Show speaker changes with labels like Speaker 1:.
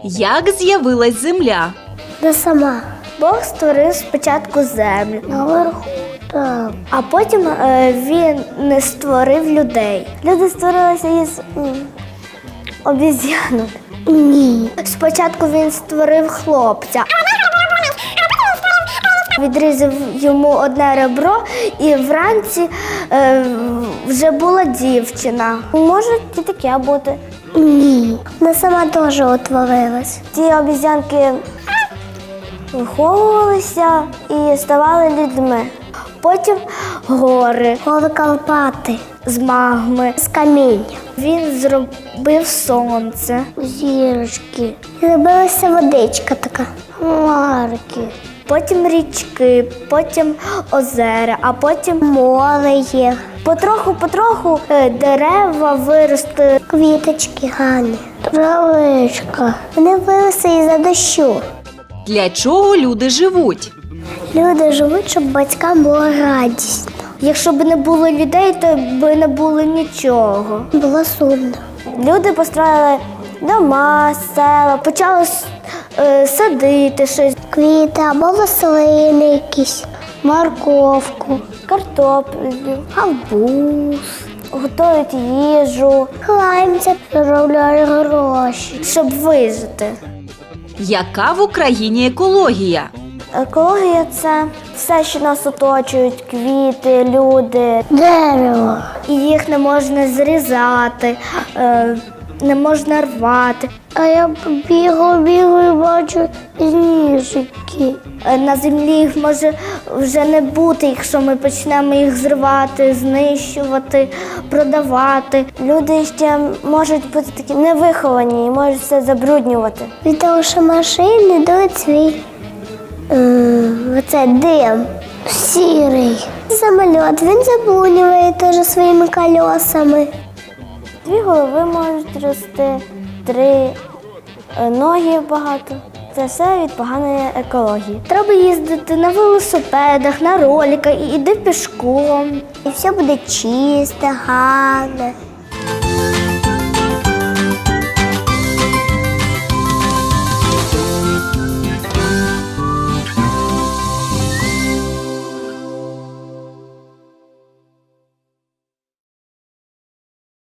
Speaker 1: Як з'явилась земля?
Speaker 2: Не сама. Бог створив спочатку землю. Наверху. Так. А потім він не створив людей. Люди створилися із обіз'янок. Ні. Спочатку він створив хлопця. Відрізав йому одне ребро, і вранці вже була дівчина. Може і таке бути. Ні. Вона сама теж утворилась. Ті обіз'янки виховувалися і ставали людьми. Потім гори. Гори Карпати. З магми, з каміння. Він зробив сонце. Зірочки. Зробилася водичка така. Хмарки. Потім річки, потім озера, а потім море є. Потроху дерева виросли. Квіточки гарні. Травичка. Вони виросли із-за дощу.
Speaker 1: Для чого люди живуть?
Speaker 2: Люди живуть, щоб батькам було радісно. Якщо б не було людей, то б не було нічого. Було сумно. Люди построїли дома, села, почали садити щось. Квіти або рослини якісь, морковку, картоплю, гарбуз, готують їжу, кланяться, заробляють гроші, щоб вижити.
Speaker 1: Яка в Україні екологія?
Speaker 2: Екологія – це все, що нас оточують, квіти, люди, дерево. І їх не можна зрізати, не можна рвати. А я бігаю і бачу зніжки. На землі їх може вже не бути, якщо ми почнемо їх зривати, знищувати, продавати. Люди ще можуть бути такі невиховані і можуть все забруднювати. Від того, що машини дають свій оце дим сірий. Самоліт, він забруднює теж своїми колесами. 2 голови можуть рости, 3 ноги багато. Це все від поганої екології. Треба їздити на велосипедах, на роликах, і йди пішком. І все буде чисте, гарне.